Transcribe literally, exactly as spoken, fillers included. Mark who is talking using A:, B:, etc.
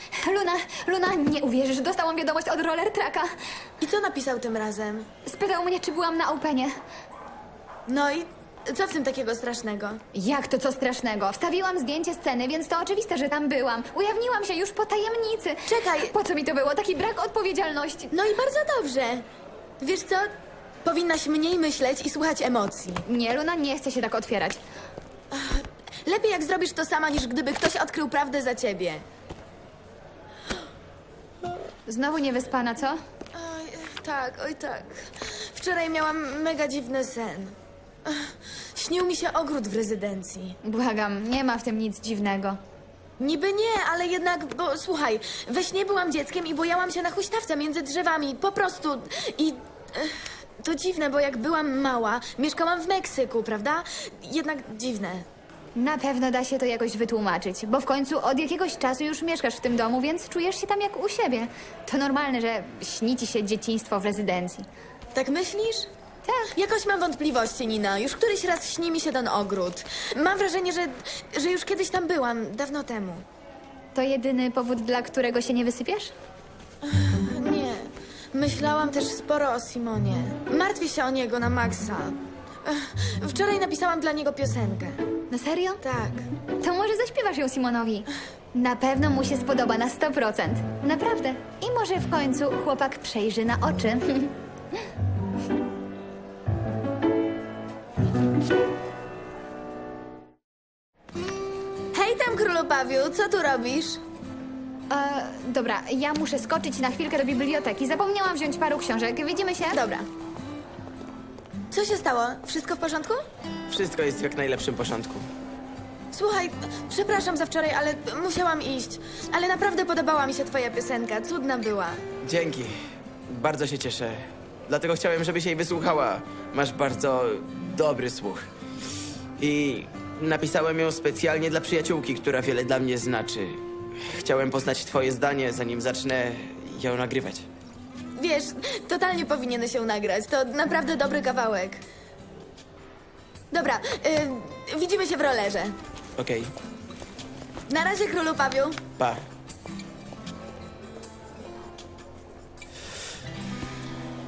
A: Luna, Luna, nie uwierzysz, dostałam wiadomość od Roller Tracka.
B: I co napisał tym razem?
A: Spytał mnie, czy byłam na Openie.
B: No i co w tym takiego strasznego?
A: Jak to co strasznego? Wstawiłam zdjęcie sceny, więc to oczywiste, że tam byłam. Ujawniłam się już po tajemnicy.
B: Czekaj.
A: Po co mi to było? Taki brak odpowiedzialności.
B: No i bardzo dobrze. Wiesz co? Powinnaś mniej myśleć i słuchać emocji.
A: Nie, Luna, nie chce się tak otwierać.
B: Lepiej jak zrobisz to sama, niż gdyby ktoś odkrył prawdę za ciebie.
A: Znowu niewyspana, co?
B: Oj, tak, oj tak. Wczoraj miałam mega dziwny sen. Ach, Śnił mi się ogród w rezydencji.
A: Błagam, nie ma w tym nic dziwnego.
B: Niby nie, ale jednak, bo słuchaj, we śnie byłam dzieckiem i bojałam się na huśtawce między drzewami, po prostu. I ech, to dziwne, bo jak byłam mała, mieszkałam w Meksyku, prawda? Jednak dziwne.
A: Na pewno da się to jakoś wytłumaczyć, bo w końcu od jakiegoś czasu już mieszkasz w tym domu, więc czujesz się tam jak u siebie. To normalne, że śni ci się dzieciństwo w rezydencji.
B: Tak myślisz?
A: Tak.
B: Jakoś mam wątpliwości, Nina. Już któryś raz śni mi się ten ogród. Mam wrażenie, że, że już kiedyś tam byłam, dawno temu.
A: To jedyny powód, dla którego się nie wysypiasz?
B: Nie. Myślałam też sporo o Simonie. Martwię się o niego na maksa. Ech, Wczoraj napisałam dla niego piosenkę.
A: No serio?
B: Tak.
A: To może zaśpiewasz ją Simonowi. Na pewno mu się spodoba na sto procent. Naprawdę. I może w końcu chłopak przejrzy na oczy.
B: Hej tam, królu Pawiu, co tu robisz?
A: E, dobra, ja muszę skoczyć na chwilkę do biblioteki. Zapomniałam wziąć paru książek. Widzimy się?
B: Dobra. Co się stało? Wszystko w porządku?
C: Wszystko jest w jak najlepszym porządku.
B: Słuchaj, przepraszam za wczoraj, ale musiałam iść. Ale naprawdę podobała mi się twoja piosenka, cudna była.
C: Dzięki. Bardzo się cieszę. Dlatego chciałem, żebyś jej wysłuchała. Masz bardzo dobry słuch. I napisałem ją specjalnie dla przyjaciółki, która wiele dla mnie znaczy. Chciałem poznać twoje zdanie, zanim zacznę ją nagrywać.
B: Wiesz, totalnie powinieneś ją nagrać. To naprawdę dobry kawałek. Dobra, y, widzimy się w rollerze.
C: Okej.
B: Na razie, królu Pawiu.
C: Pa.